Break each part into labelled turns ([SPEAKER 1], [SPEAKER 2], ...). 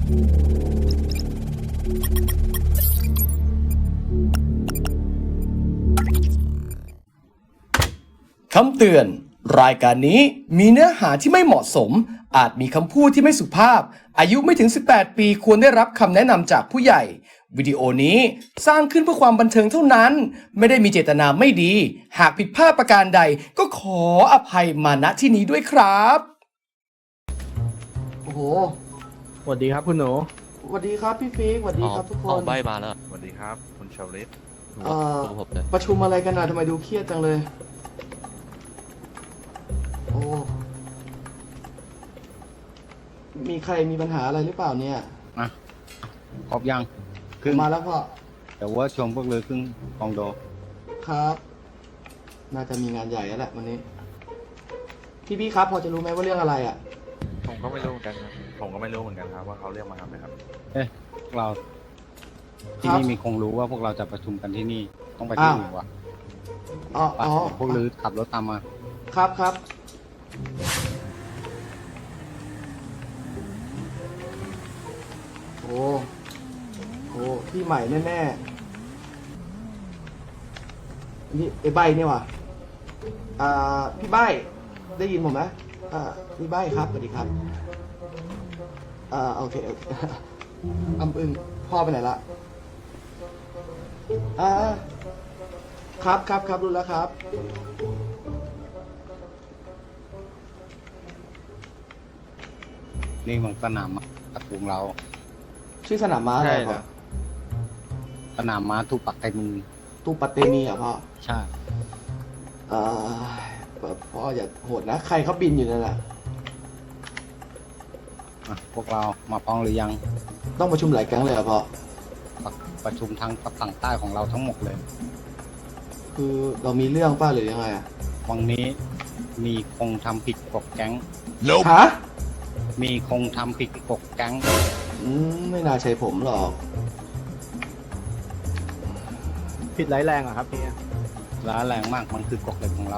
[SPEAKER 1] คำเตือนรายการนี้มีเนื้อหาที่ไม่เหมาะสมอาจมีคำพูดที่ไม่สุภาพอายุไม่ถึง18ปีควรได้รับคำแนะนำจากผู้ใหญ่วิดีโอนี้สร้างขึ้นเพื่อความบันเทิงเท่านั้นไม่ได้มีเจตนาไม่ดีหากผิดพลาดประการใดก็ขออภัยมาณที่นี้ด้วยครับโอ้โห
[SPEAKER 2] สวัสดีครับคุณหนู
[SPEAKER 1] สวัสดีครับพี่ฟิกสวัสดีครับทุกคน
[SPEAKER 3] ใบมาแล้ว
[SPEAKER 4] สวัสดีครับคุณชาวลิต
[SPEAKER 3] ผมเลย
[SPEAKER 1] ประชุมอะไรกันนะทำไมดูเครียดจังเลยโอ้มีใครมีปัญหาอะไรหรือเปล่าเนี่ย
[SPEAKER 4] ครบยัง
[SPEAKER 1] มาแล้วพ่อ
[SPEAKER 4] แต่ว่าชมพวกเลยครึ่งกองโด
[SPEAKER 1] ครับน่าจะมีงานใหญ่แล้วแหละวันนี้พี่ครับพอจะรู้ไหมว่าเรื่องอะไรอ่ะ
[SPEAKER 5] ผมก็ไม่รู้เหมือนกันครับผมก็ไม่รู้เหมือนกันครับว่าเขาเรียกมาทำอะไรครับ
[SPEAKER 4] พวกเราที่นี่มีคงรู้ว่าพวกเราจะประชุมกันที่นี่ต้องไปที่อื่นวะ
[SPEAKER 1] อ๋อ
[SPEAKER 4] พวกลือขับรถตามมา
[SPEAKER 1] ครับโอ้พี่ใหม่แน่ๆนี่ไอ้ใบเนี่ยว่ะพี่ใบได้ยินผมไหมพี่ใบครับสวัสดีครับโอเคอึ้งพ่อไปไหนละครับรู้แล้วครับ
[SPEAKER 4] นี่มันสนามตะกุงเรา
[SPEAKER 1] ชื่อสนามม้าอะไรพ่อ
[SPEAKER 4] สนามม้าทูปักไตมี
[SPEAKER 1] อ่ะพ่อ
[SPEAKER 4] ใช่
[SPEAKER 1] พ่ออย่าโหดนะใครเขาบินอยู่นั่นแหละ
[SPEAKER 4] พวกเรามาพร้อมหรือยัง
[SPEAKER 1] ต้องประชุมหลายครั้งเลยเหรอพ่อ
[SPEAKER 4] ประชุมทั้งฝั่งใต้ของเราทั้งหมดเลย
[SPEAKER 1] คือเรามีเรื่องป้าหรือยังไงอ่ะ
[SPEAKER 4] วันนี้มีคงทำผิดกฎแก๊ง
[SPEAKER 1] ฮะ
[SPEAKER 4] มีคงทำผิดกฎแก๊ง
[SPEAKER 1] ไม่น่าใช่ผมหรอก
[SPEAKER 2] ผิดร้ายแรงอะครับพี่
[SPEAKER 4] ร้ายแรงมากมันคือกฎเหล็กของเรา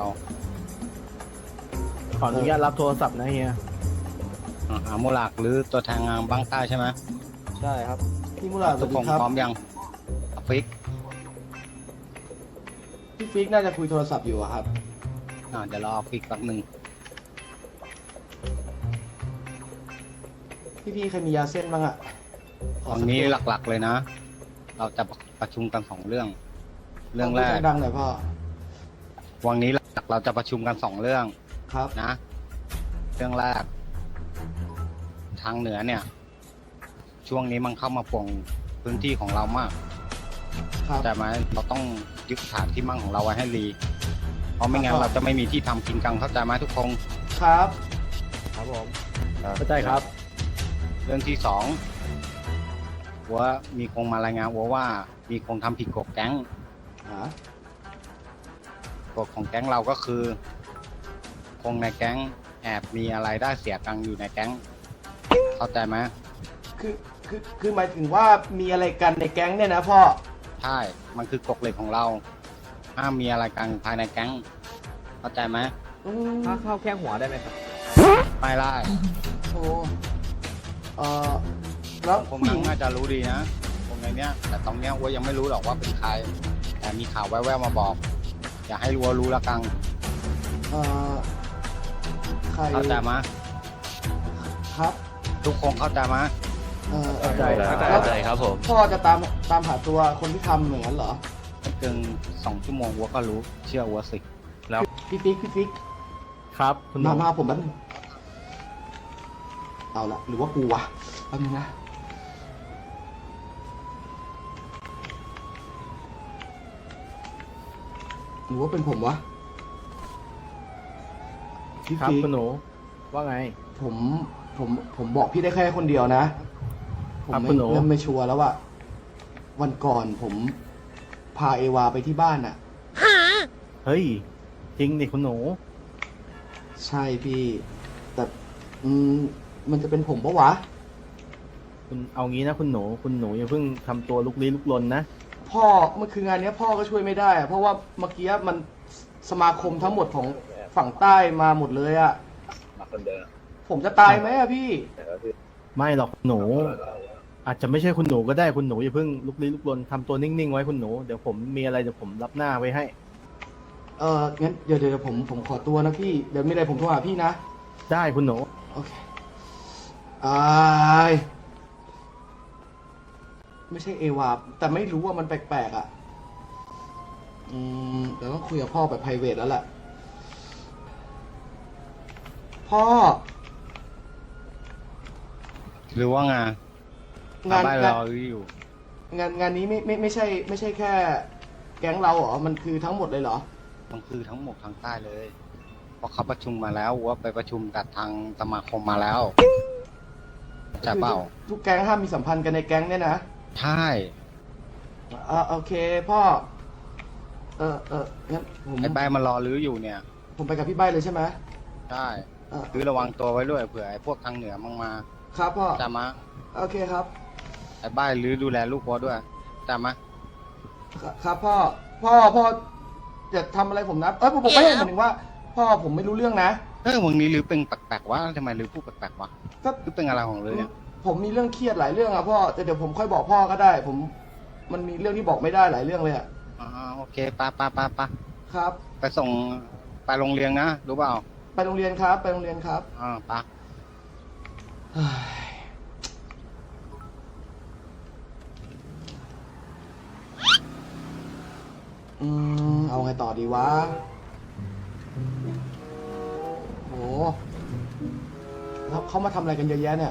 [SPEAKER 2] ขออนุญาตรับโทรศัพท์นะเฮีย
[SPEAKER 4] โมลากหรือตัวแทนงานบ้างใต้ใช่ไหม
[SPEAKER 2] ใช่ครับ
[SPEAKER 1] พี่มูลา
[SPEAKER 4] ทุกคนพร้อมยังฟิก
[SPEAKER 1] พี่ฟิกน่าจะคุยโทรศัพท์อยู่ครับ
[SPEAKER 4] เดี๋ยวรอฟิกแป๊บนึง
[SPEAKER 1] พี่ใครมียาเส้นบ้างอะ
[SPEAKER 4] วันนี้หลักๆเลยนะเราจะประชุมกัน2 เรื่องแรก
[SPEAKER 1] ดังหน่อยพ่อ
[SPEAKER 4] วันนี้หลักเราจะประชุมกัน2 เรื่อง
[SPEAKER 1] ครับ
[SPEAKER 4] นะเรื่องแรกทางเหนือเนี่ยช่วงนี้มันเข้ามาป่วงพื้นที่ของเรามากแต่ไหมเราต้องยึดฐานที่มั่งของเราไว้ให้ดีเพราะไม่งั้นเราจะไม่มีที่ทำกินกังเข้าใจไหมทุกคน
[SPEAKER 1] ครับ
[SPEAKER 2] ผมเข้าใจครับ
[SPEAKER 4] เรื่องที่2ว่ามีคงมารายงานว่ามีคงทำผิดกฎแก๊งกฎของแก๊งเราก็คือคงในแก๊งแอบมีอะไรได้เสียตังอยู่ในแก๊งเข้าใจไหม
[SPEAKER 1] คือหมายถึงว่ามีอะไรกันในแก๊งเนี่ยนะพ่อ
[SPEAKER 4] ใช่มันคือกฎเหล็กของเราห้ามมีอะไรกันภายในแก๊งเข้าใจไหม
[SPEAKER 2] ถ้าเข้าแค่หัวได้ไหมครับ
[SPEAKER 4] ไม่ได้
[SPEAKER 1] แล้ว
[SPEAKER 4] ผมน่าจะรู้ดีนะตรงเนี้ยแต่ตรงเนี้ยว่ายังไม่รู้หรอกว่าเป็นใครแต่มีข่าวแว่วๆมาบอกอย่าให้รู้ละกัง
[SPEAKER 1] ใคร
[SPEAKER 4] เข้าใจไหม
[SPEAKER 1] ครับ
[SPEAKER 4] ทุกคนเข้าใจไหม
[SPEAKER 2] เข้าใจ
[SPEAKER 3] ครับผม
[SPEAKER 1] พ่อจะตามหาตัวคนที่ทำอย่างนั้นเหรอ
[SPEAKER 4] ไม่เกิน2 ชั่วโมงวัวก็รู้เชื่อวัวสิ
[SPEAKER 1] แล้วพี่ฟิก
[SPEAKER 2] ครับ
[SPEAKER 1] มาผมแป๊บนึงเอาละหรือว่ากูวะแป๊บนึงนะหรือว่าเป็นผมวะ
[SPEAKER 2] พี่ครับคุณหนูว่าไง
[SPEAKER 1] ผมบอกพี่ได้แค่คนเดียวนะผมไม่ชัวร์แล้วว่าวันก่อนผมพาเอวาไปที่บ้านน่ะ
[SPEAKER 2] เฮ้ยจริงดิคุณหนู
[SPEAKER 1] ใช่พี่แต่มันจะเป็นผมปะวะ
[SPEAKER 2] คุณเอางี้นะคุณหนูอย่าเพิ่งทำตัวลุกลี้ลุกลนนะ
[SPEAKER 1] พ่อเมื่อคืนงานนี้พ่อก็ช่วยไม่ได้เพราะว่าเมื่อกี้มันสมาคมทั้งหมดของฝั่งใต้มาหมดเลยอะผมจะตายไหมอะพี่
[SPEAKER 2] ไม่หรอกหนูอาจจะไม่ใช่คุณหนูก็ได้คุณหนูอย่าเพิ่งลุกลี้ลุกลนทำตัวนิ่งๆไว้คุณหนูเดี๋ยวผมมีอะไรเดี๋ยวผมรับหน้าไว้ให้
[SPEAKER 1] งั้นเดี๋ยวผมขอตัวนะพี่ เดี๋ยวมีอะไรผมโทรหาพี่นะ
[SPEAKER 2] ได้คุณหนู
[SPEAKER 1] โอเคอายไม่ใช่เอวาแต่ไม่รู้ว่ามันแปลกๆอ่ะ เดี๋ยวต้องคุยกับพ่อแบบ private แล้วแหละ พ่อ
[SPEAKER 4] หรือว่างาน
[SPEAKER 1] งาน
[SPEAKER 4] บ้าน
[SPEAKER 1] งาน
[SPEAKER 4] เราอยู่
[SPEAKER 1] งานนี้ไม่ใช่แค่แก๊งเราเหรอ มันคือทั้งหมดเลยเหรอ
[SPEAKER 4] มันคือทั้งหมดทางใต้เลยเพราะเขาประชุมมาแล้วว่าไปประชุมกับทางสมาคมมาแล้วจะเปล่า
[SPEAKER 1] ทุกแก๊งห้ามมีสัมพันธ์กันในแก๊งเนี่ยนะ
[SPEAKER 4] ใช่
[SPEAKER 1] โอเคพ่อ งั้นผม
[SPEAKER 4] ไอ้ใบมารอรื้ออยู่เนี่ย
[SPEAKER 1] ผมไปกับพี่ใบเลยใช่ไหม
[SPEAKER 4] ใช่
[SPEAKER 1] เออ
[SPEAKER 4] คือระวังตัวไว้ด้วยเผื่อไอ้พวกทางเหนือมั่งมา
[SPEAKER 1] ครับพ่อ
[SPEAKER 4] จำมะ
[SPEAKER 1] โอเคครับ
[SPEAKER 4] ไอ้ใบรื้อดูแลลูกพ่อด้วยจำมะ
[SPEAKER 1] ครับพ่อจะทำอะไรผมนะ ผมไม่ได้หมายถึงว่า พ่อผมไม่รู้เรื่องนะ
[SPEAKER 4] วันนี้รื้อเป็นแปลกๆวะทำไมรื้อพูดแปลกๆวะ
[SPEAKER 1] ก็
[SPEAKER 4] รื้อเป็นอะไรของรื้อเนี่ย
[SPEAKER 1] ผมมีเรื่องเครียดหลายเรื่องอะพ่อแต่เดี๋ยวผมค่อยบอกพ่อก็ได้ มันมีเรื่องที่บอกไม่ได้หลายเรื่องเลยอะ
[SPEAKER 4] โอเคไป
[SPEAKER 1] ครับ
[SPEAKER 4] ไปส่งไปโรงเรียนนะรู้เปล่า
[SPEAKER 1] ไปโรงเรียนครับ ไปโรงเรียนครับ
[SPEAKER 4] ไป
[SPEAKER 1] เฮ้ยเอาไงต่อดีวะโหแล้วเขามาทำอะไรกันเยอะแยะเนี่ย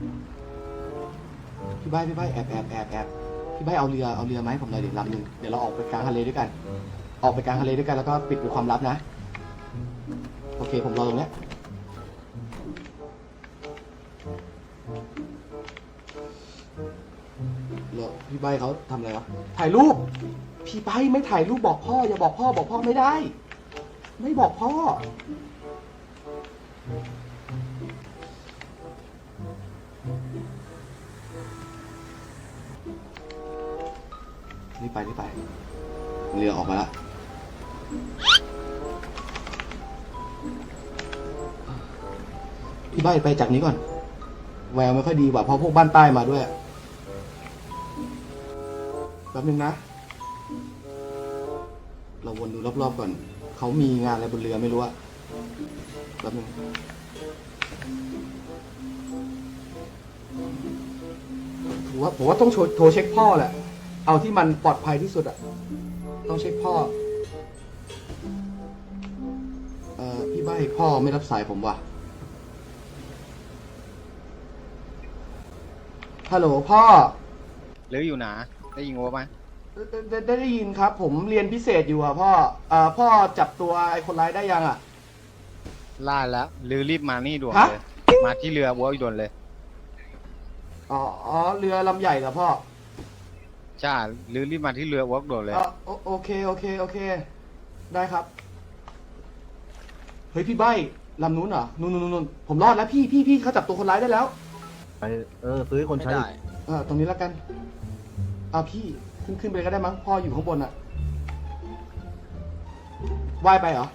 [SPEAKER 1] พี่ใบแอบพี่ใบเอาเรือไหมาให้ผมหน่อยดิลำหนึ่งเดี๋ยวเราออกไปกลางทะเลด้วยกัน ออกไปกลางทะเลด้วยกันแล้วก็ปิดเป็นความลับนะ โอเคผมรอตรงเนี้ยแล้วพี่ใบเขาทำอะไรวะถ่ายรูป พี่ใบไม่ถ่ายรูปบอกพ่ออย่าบอกพ่อไม่ได้ ไม่บอกพ่อ รีบไปเรือออกมาแล้วพี่ใบไปจากนี้ก่อน แววไม่ค่อยดีว่ะเพราะพวกบ้านใต้มาด้วยแป๊บนึงนะ เราวนดูรอบๆก่อน เขามีงานอะไรบนเรือไม่รู้อะแป๊บนึงผมว่าต้องโทรเช็คพ่อแหละ เอาที่มันปลอดภัยที่สุดอะต้องเช็คพ่อ พี่ใบ้พ่อไม่รับสายผมว่ะ ฮัลโหลพ่อ
[SPEAKER 4] รื้ออยู่หนาได้ยินว่าไหม
[SPEAKER 1] ได้ยินครับ ผมเรียนพิเศษอยู่อ่ะพ่อ พ่อจับตัวไอ้คนร้ายได้ยังอ่ะ
[SPEAKER 4] ล่าแล้วรื้อรีบมานี่ด่วน
[SPEAKER 1] ฮะ
[SPEAKER 4] เลย มาที่เรือวัวด่วนเลย
[SPEAKER 1] อ๋อ เรือลำใหญ่เหรอพ่อ
[SPEAKER 4] ใช่รื้อรีบมาที่เรือวัวด่วนเลย
[SPEAKER 1] โอเค ได้ครับ เฮ้ยพี่ใบ้ลำนู้นเหรอนู่นผมรอดแล้วพี่เขาจับตัวคนร้ายได้แล้ว
[SPEAKER 2] ไปซื้อให้คนใช้
[SPEAKER 1] ตรงนี้แล้วกันพี่ขึ้นไปก็ได้มั้งพ่ออยู่ข้างบนอะว่ายไปเหรอ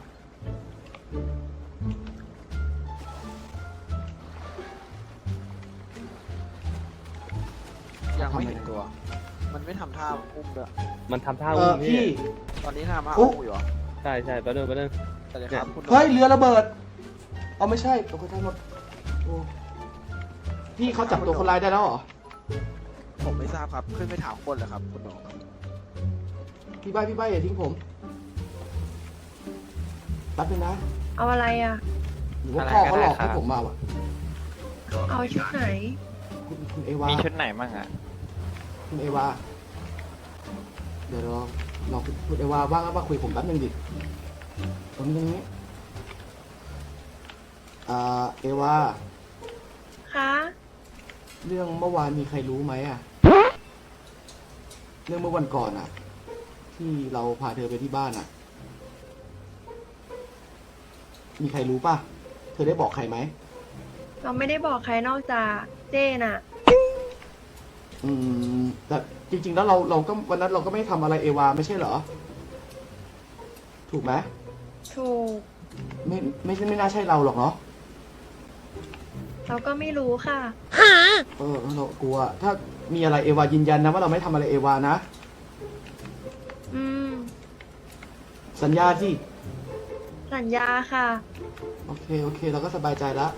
[SPEAKER 6] ยังไม่ถึงตัว มันไม่ทำท่าอุ้มด้วย
[SPEAKER 3] มันทำท่า
[SPEAKER 1] พี่
[SPEAKER 6] ตอนนี้ทำท่าอุ้มอยู่เหรอ
[SPEAKER 3] ใช่แป๊บนึง
[SPEAKER 6] แต่เดี๋ยวครับคุณ
[SPEAKER 1] เฮ้ยเรือระเบิดไม่ใช่ตกใจหมดโอ้พี่เขาจับตัวคนร้ายได้แล้วเหรอ
[SPEAKER 6] ผมไม่ทราบครับ ขึ้นไปถามคนเลยครับคุณหนู
[SPEAKER 1] พี่ใบ้อย่าทิ้งผมแป๊บนึงนะ
[SPEAKER 7] เอาอะไรอ่ะ
[SPEAKER 1] หรือว่าพ่อเขาหลอกให้ผมมาวะ
[SPEAKER 7] เอาชุดไหน
[SPEAKER 1] คุณเอวา
[SPEAKER 8] มีชุดไหนบ้างอ่ะ
[SPEAKER 1] คุณเอวา เดี๋ยวเราคุณเอวาว่างมาคุยกับผมแป๊บนึงดิตรงนี้เอวา
[SPEAKER 7] คะ
[SPEAKER 1] เรื่องเมื่อวานมีใครรู้ไหมอะเรื่องเมื่อวันก่อนอะที่เราพาเธอไปที่บ้านอะมีใครรู้ป่ะ เธอได้บอกใครไหม
[SPEAKER 7] เราไม่ได้บอกใครนอกจากเจ้น่ะ
[SPEAKER 1] แต่จริงๆแล้วเราก็วันนั้นเราก็ไม่ทำอะไรเอวาไม่ใช่เหรอ ถูกไหม
[SPEAKER 7] ถูก
[SPEAKER 1] ไม่น่าใช่เราหรอกเนาะ
[SPEAKER 7] เราก็ไม่รู้ค่ะ
[SPEAKER 1] เรากลัว ถ้ามีอะไรเอวายืนยันนะว่าเราไม่ทำอะไรเอวานะ
[SPEAKER 7] อืม
[SPEAKER 1] สัญญาที่
[SPEAKER 7] สัญญาค่ะ
[SPEAKER 1] โอเค เราก็สบายใจแล้ว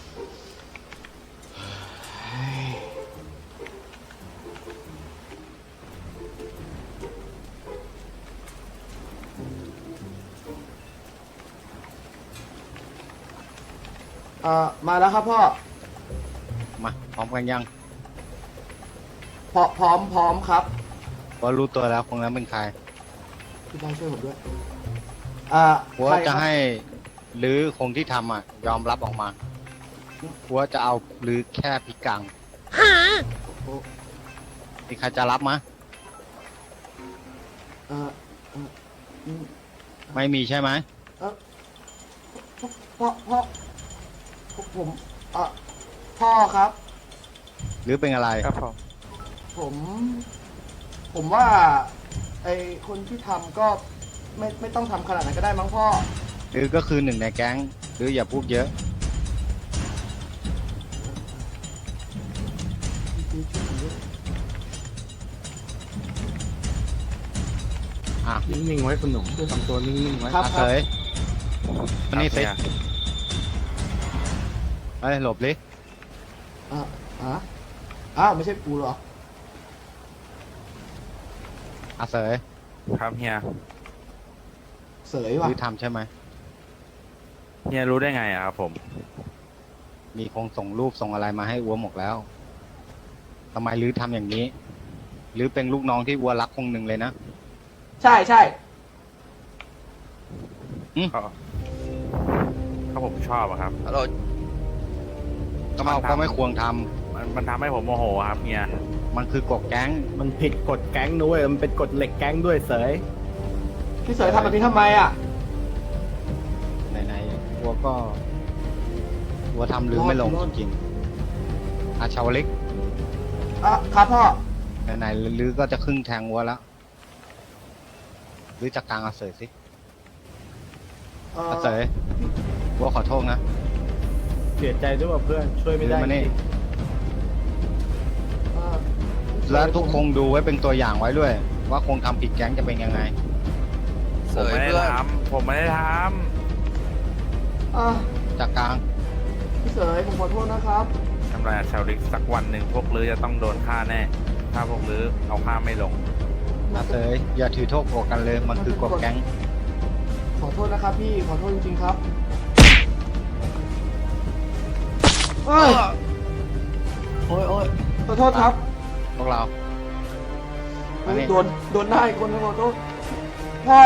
[SPEAKER 1] มาแล้วครับพ่อ
[SPEAKER 4] มาพร้อมกันยัง
[SPEAKER 1] พร้อมครับ
[SPEAKER 4] ว่ารู้ตัวแล้วคงนั้นเป็นใคร
[SPEAKER 1] พี่ได้ช่วยผมด้วย
[SPEAKER 4] หัวจะให้หรือคงที่ทำยอมรับออกมาหัวจะเอาหรือแค่พิกังมีใครจะรับมะ
[SPEAKER 1] เอ่ออืม
[SPEAKER 4] ไม่มีใช่ไหม
[SPEAKER 1] พ่อผมพ่อครับ
[SPEAKER 4] หรือเป็นอะไร
[SPEAKER 5] ครับผม
[SPEAKER 1] ผมว่าไอคนที่ทำก็ไม่ต้องทำขนาดนั้นก็ได้มั้งพ่อ
[SPEAKER 4] หรือก็คือหนึ่งในแก๊ง หรืออย่าพูดเยอะ อ่ะ
[SPEAKER 2] นิ่งๆไว้คุณหนูทำตัวนิ่งๆไว้
[SPEAKER 1] ครับ
[SPEAKER 4] อาเสยมานี่สิไปหลบลิ
[SPEAKER 1] อ้าวไม่ใช่กูเหรอ
[SPEAKER 4] อาเสย
[SPEAKER 5] ครับเฮีย
[SPEAKER 1] เสย
[SPEAKER 4] ห
[SPEAKER 1] ว่ะ
[SPEAKER 4] รือทำใช่ไหม
[SPEAKER 5] เฮียรู้ได้ไงอะครับผม
[SPEAKER 4] มีคงส่งรูปส่งอะไรมาให้อัวหมดแล้วทำไมหรือทำอย่างนี้ หรือเป็นลูกน้องที่อัวรักคงหนึ่งเลยนะ
[SPEAKER 1] ใช่
[SPEAKER 5] เขาผมชอบอะครับ
[SPEAKER 3] ฮัลโหล
[SPEAKER 4] ก็ไม่ควรทำ
[SPEAKER 5] มันทำให้ผมโมโหครับเฮีย
[SPEAKER 4] มันคือกฎแก๊ง
[SPEAKER 2] มันผิดกฎแก๊งด้วยมันเป็นกฎเหล็กแก๊งด้วยเสย
[SPEAKER 1] พี่เสยทำแบบนี้ทำไมอ่ะ
[SPEAKER 4] ไหนๆอัวก็อัวทำหรือไม่ลงจริงๆอาชาวลิก
[SPEAKER 1] ครับพ่อ
[SPEAKER 4] ไหนๆหรือก็จะครึ่งแทงอัวแล้วหรือจะกลางอาเสยสิอาเสยอัวขอโทษนะ
[SPEAKER 2] เสียใจด้วยว่าเพื่อนช่วยไม่ได้
[SPEAKER 4] หรือมานี่
[SPEAKER 2] จริง
[SPEAKER 4] แล้วทุกคงดูไว้เป็นตัวอย่างไว้ด้วย ว่าคงทำผิดแก๊งจะเป็นยังไง
[SPEAKER 3] เส
[SPEAKER 5] ผม
[SPEAKER 3] ย
[SPEAKER 5] ไม่ได้
[SPEAKER 3] เพื่อน
[SPEAKER 5] ทำผมไม่ได้ท
[SPEAKER 4] จากกลาง
[SPEAKER 1] พี่เสยผมขอโทษนะครับ
[SPEAKER 5] ำทำลายชาวลิกสักวันหนึ่งพวกลือจะต้องโดนฆ่าแน่ ถ้าพวกลือเอาฆ่าไม่ลง
[SPEAKER 4] อาเสยอย่าถือโทษโกรธกันเลย มันคือกฎแก๊ง
[SPEAKER 1] ขอโทษนะครับพี่ ขอโทษจริงๆครับโอ้ยขอโทษครับ
[SPEAKER 4] พวกเรา อันนี้
[SPEAKER 1] โดนหน้าอีกคนนึงขอโทษพ่อ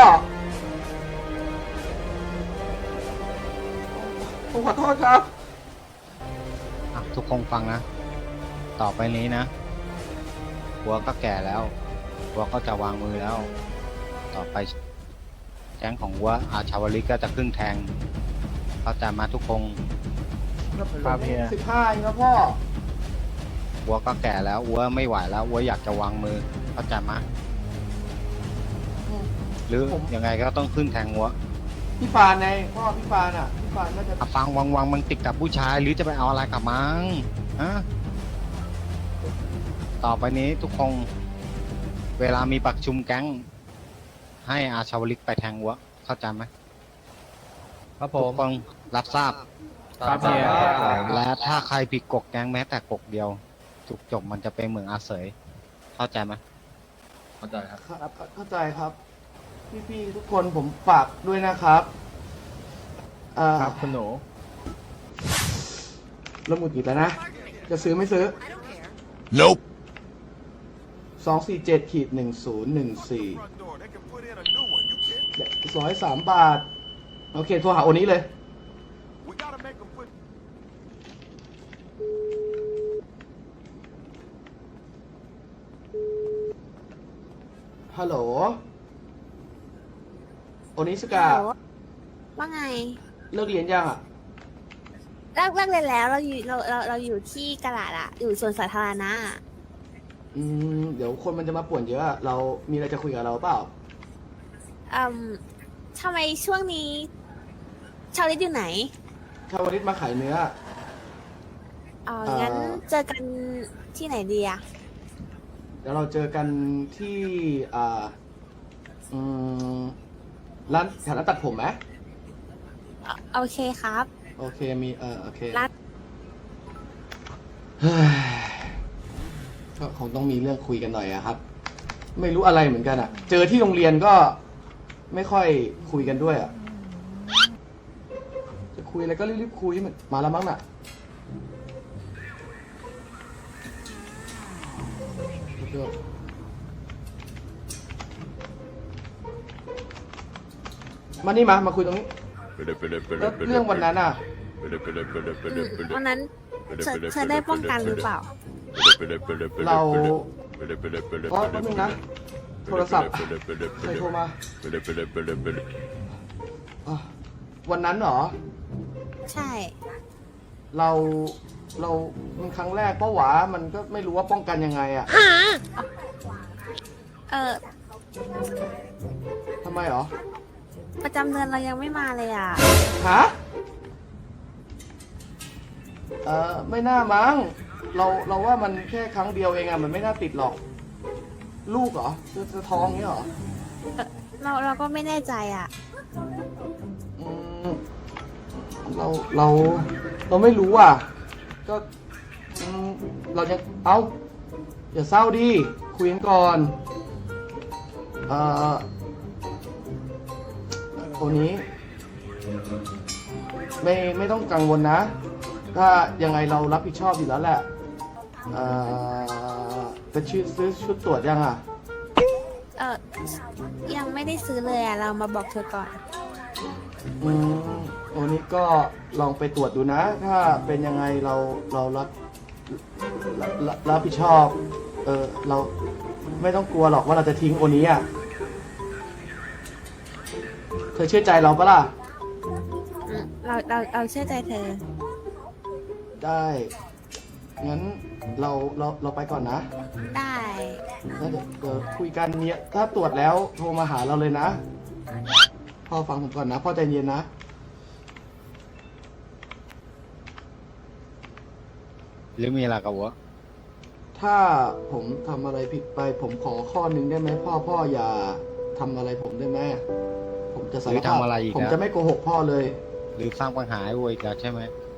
[SPEAKER 1] ผมขอโทษครับ
[SPEAKER 4] อ่ะทุกคนฟังนะ ต่อไปนี้นะหัวก็แก่แล้วหัวก็จะวางมือแล้ว ต่อไปแก๊งของหัวอาชาวลิกก็จะครึ่งแทงเข้าใจมาทุกคน
[SPEAKER 2] ครับเฮีย
[SPEAKER 1] 15เองครับพ่อ
[SPEAKER 4] หัวก็แก่แล้วหัวไม่ไหวแล้วหัวอยากจะวางมือเข้าใจมาหรือ
[SPEAKER 1] ผม
[SPEAKER 4] ยังไงก็ต้องขึ้นแทงหัว
[SPEAKER 1] พี่ฟานไงพ่อพี่ฟานอ่ะ พี่ฟานน่าจะ
[SPEAKER 4] อ่ะฟังวังมันติดกับผู้ชายหรือจะไปเอาอะไรกับมังฮะต่อไปนี้ทุกคนเวลามีประชุมแก๊งให้อาชาวลิกไปแทงหัวเข้าใจไหม
[SPEAKER 3] ครับผ
[SPEAKER 4] ทุ
[SPEAKER 3] ม
[SPEAKER 4] กคนรับทราบ
[SPEAKER 2] ครับเฮีย
[SPEAKER 4] และถ้าใครผิดกฎแก๊งแม้แต่กฎเดียวจุกจบมันจะเป็นเหมืองอาเสยเข้าใจไหม
[SPEAKER 3] เข้าใจครับ
[SPEAKER 1] ครับเข้าใจครับ พี่ๆทุกคนผมฝากด้วยนะครับ
[SPEAKER 2] ครับคุณหนู
[SPEAKER 1] เริ่มหงุดหงิดแล้วนะ จะซื้อไม่ซื้อ
[SPEAKER 8] Nope.
[SPEAKER 1] 247-1014 103 บาท โอเค โทรหาโอนี้เลย ฮัลโหล โอนิสกา
[SPEAKER 9] ฮัลโหลว่าไง
[SPEAKER 1] เลิกเรียนยังอ่ะ
[SPEAKER 9] เลิกเรียนแล้วเราอยู่ที่กะลาดอะอยู่สวนสาธารณะอะ
[SPEAKER 1] เดี๋ยวคนมันจะมาป่วนเยอะอะเรามีอะไรจะคุยกับเราเปล่า
[SPEAKER 9] ทำไมช่วงนี้ ชาวลิตอยู่ไหน
[SPEAKER 1] ชาวลิตมาขายเนื้อ
[SPEAKER 9] งั้นเจอกันที่ไหนดีอะ
[SPEAKER 1] เดี๋ยวเราเจอกันที่อืมร้านแถวร้านตัดผมไหม
[SPEAKER 9] โอเคครับ
[SPEAKER 1] โอเคมีโอเค
[SPEAKER 9] ร้าน
[SPEAKER 1] เฮ้ยก็คงต้องมีเรื่องคุยกันหน่อยอะครับ ไม่รู้อะไรเหมือนกันอะเจอที่โรงเรียนก็ไม่ค่อยคุยกันด้วยอะจะคุยอะไรก็รีบๆคุยมันมาแล้วมั้งน่ะมานี่มาคุยตรงนี้แล้วเรื่องวันนั้นอะ
[SPEAKER 9] วันนั้นเธอได้ป้องกันหรือเปล่า
[SPEAKER 1] เราอ๋อแป๊บนึงนะ โทรศัพท์ใครโทรมาอ่ะวันนั้นเหรอ
[SPEAKER 9] ใช่
[SPEAKER 1] เรามันครั้งแรกเพราะหวามันก็ไม่รู้ว่าป้องกันยังไงอะ
[SPEAKER 9] เออ
[SPEAKER 1] ทำไมเหรอ
[SPEAKER 9] ประจำเดือนเรายังไม่มาเลยอ่ะ
[SPEAKER 1] ฮะ ไม่น่ามั้ง เราว่ามันแค่ครั้งเดียวเองอะมันไม่น่าติดหรอก ลูกเหรอจะท้องเงี้ยเหรอ
[SPEAKER 9] เราก็ไม่แน่ใจอ่ะ
[SPEAKER 1] อืมเราไม่รู้อ่ะ ก็เราจะอย่าเศร้าดิคุยกันก่อนคนนี้ไม่ต้องกังวลนะ ถ้ายังไงเรารับผิดชอบอยู่แล้วแหละจะซื้อชุดตรวจยังอ่ะ
[SPEAKER 9] ยังไม่ได้ซื้อเลยอ่ะ เรามาบอกเธอก่อน
[SPEAKER 1] วันนี้ก็ลองไปตรวจดูนะ ถ้าเป็นยังไงเรารับผิดชอบ เราไม่ต้องกลัวหรอกว่าเราจะทิ้งโอนี้อ่ะ เธอเชื่อใจเราปะล่ะ
[SPEAKER 9] เราเชื่อใจเธอ
[SPEAKER 1] ได้ งั้นเราไปก่อนนะ
[SPEAKER 9] ได้
[SPEAKER 1] แล้วเดี๋ยวคุยกันเนี่ยถ้าตรวจแล้วโทรมาหาเราเลยนะ พ่อฟังผมก่อนนะ พ่อใจเย็นนะ
[SPEAKER 4] หรือมีอะไรกับวะ
[SPEAKER 1] ถ้าผมทำอะไรผิดไป ผมขอข้อหนึ่งได้ไหมพ่ออย่าทำอะไรผมได้ไหมผมจะสารภาพผมจะไม่โกหกพ่อเลย
[SPEAKER 4] หรือสร้างปัญหาให้วัวอีกแล้วใช่ไหม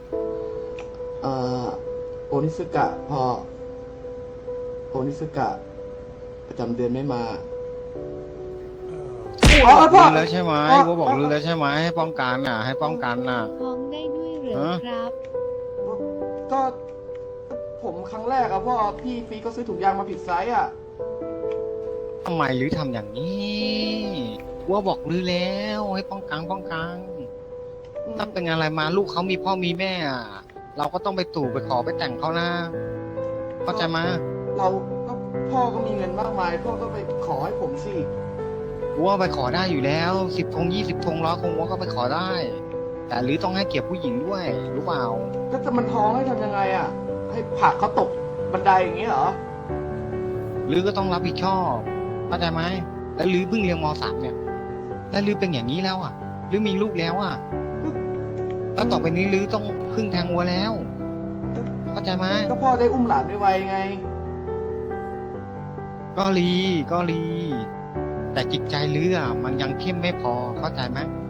[SPEAKER 1] โอนิสึกะพ่อโอนิสึกะประจำเดือนไม่มา
[SPEAKER 4] บอกรู้แล้วใช่ไหมวัวบอกรู้แล้วใช่ไหมให้ป้องกันน่ะ ให้ป้องกันน่ะ
[SPEAKER 8] ท้องได้ด้วยเหรอครับ
[SPEAKER 1] ก็ผมครั้งแรกอะพ่อพี่ฟีก็ซื้อถุงยางมาผิดไซส์อะ
[SPEAKER 4] ทำไมหรือทำอย่างนี้วัวบอกรู้แล้วให้ป้องกันถ้าเป็นอะไรมาลูกเขามีพ่อมีแม่อะเราก็ต้องไปตู่ไปขอไปแต่งเขานะเข้าใจไหม
[SPEAKER 1] เราก็พ่อก็มีเงินมากมาย พ่อก็ไปขอให้ผมสิ
[SPEAKER 4] วัวไปขอได้อยู่แล้ว10 ธง 20 ธง100 ธงวัวก็ไปขอได้ แต่หรือต้องให้เกียรติผู้หญิงด้วยรู้เปล่า
[SPEAKER 1] ก็จะมันท้องให้ทำยังไงอะให้ผลักเขาตกบันไดอย่างนี้เหรอ
[SPEAKER 4] หรือก็ต้องรับผิดชอบเข้าใจไหมแล้วหรือเพิ่งเรียนม.3เนี่ยแล้วหรือเป็นอย่างนี้แล้วอ่ะหรือมีลูกแล้วอ่ะแล้วต่อไปนี้หรือต้องพึ่งแทงวัวแล้วเข้าใจไหม
[SPEAKER 1] ก็พ่อได้อุ้มหลานไวๆไง
[SPEAKER 4] ก็รีแต่จิตใจหรืออ่ะมันยังเข้มไม่พอเข้าใจไหม